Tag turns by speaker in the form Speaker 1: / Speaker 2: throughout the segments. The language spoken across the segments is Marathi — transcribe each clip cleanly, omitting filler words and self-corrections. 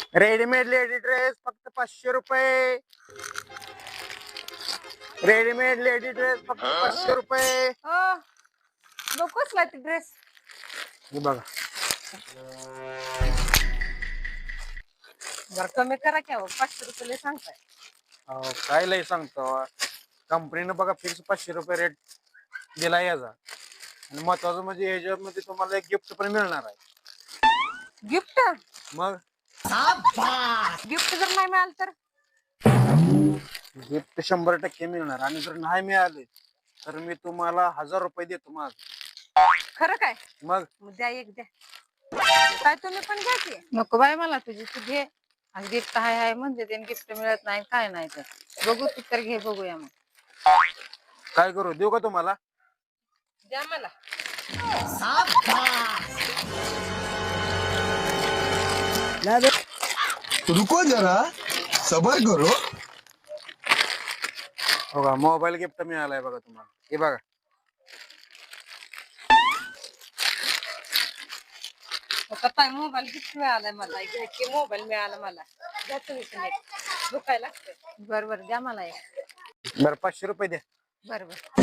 Speaker 1: रेडीमेड लेडी ड्रेस फक्त 500 रुपये. रेडीमेड लेडी ड्रेस फक्त 500 रुपये.
Speaker 2: नकोच ती ड्रेस.
Speaker 1: हे बघा.
Speaker 2: जर कमी करा की 500 रुपये सांगताय.
Speaker 1: अहो, काय लय सांगतो. कंपनीनं बघा फिक्स 500 रुपये रेट दिला याचा. आणि महत्वाचं म्हणजे याच्यामध्ये तुम्हाला एक गिफ्ट पण मिळणार आहे.
Speaker 2: गिफ्ट
Speaker 1: मग
Speaker 2: गिफ्ट जर नाही मिळालं तर
Speaker 1: गिफ्ट 100% मिळणार. आणि जर नाही मिळाले तर मी तुम्हाला 1000 रुपये देतो. माझ
Speaker 2: खरं काय?
Speaker 1: मग
Speaker 2: द्या एक द्या. काय तुम्ही पण घ्या की. नको बाय मला तुझी तू घे. आणि गिफ्ट हाय म्हणजे ते गिफ्ट मिळत नाही काय नाही तर बघू तू तर घे बघूया मग.
Speaker 1: काय करू देऊ का तुम्हाला?
Speaker 2: द्या मला.
Speaker 3: रुको जरा सबर करो.
Speaker 1: बघा मोबाईल गिफ्ट मिळालाय बघा तुम्हाला. हे बघा.
Speaker 2: काय मोबाईल गिफ्ट मिळालाय मला. मोबाईल मिळाला मला. द्या तुम्ही पण एक. दुखायला लागतं. बरोबर द्या मला एक.
Speaker 1: बरं 500 रुपये द्या.
Speaker 2: बरोबर.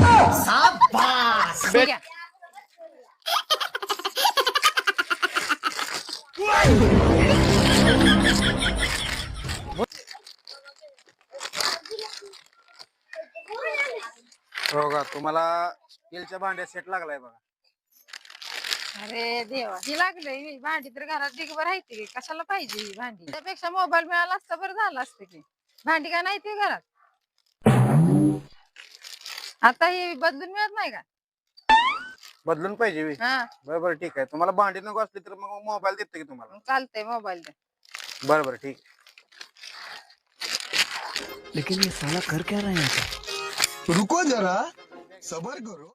Speaker 1: बघा तुम्हाला स्टीलच्या भांड्या सेट लागलाय बघा.
Speaker 2: अरे देवा ही लागले भांडी तर घरात दिगभर राहते की कशाला पाहिजे ही भांडी. त्यापेक्षा मोबाईल मिळाला असता बरं झालं असतं की. भांडी का नाही ती घरात. आता ही बदलून मिळत नाही का?
Speaker 1: बदलून पाहिजे बी.
Speaker 2: हा
Speaker 1: बरोबर ठीक आहे. तुम्हाला भांडी नको असली तर मग मोबाईल देतो की तुम्हाला.
Speaker 2: चालतंय मोबाईल द्या.
Speaker 1: बरोबर ठीक.
Speaker 4: लेकिन ये साला कर क्या रहे हैं?
Speaker 3: रुको जरा सबर करो.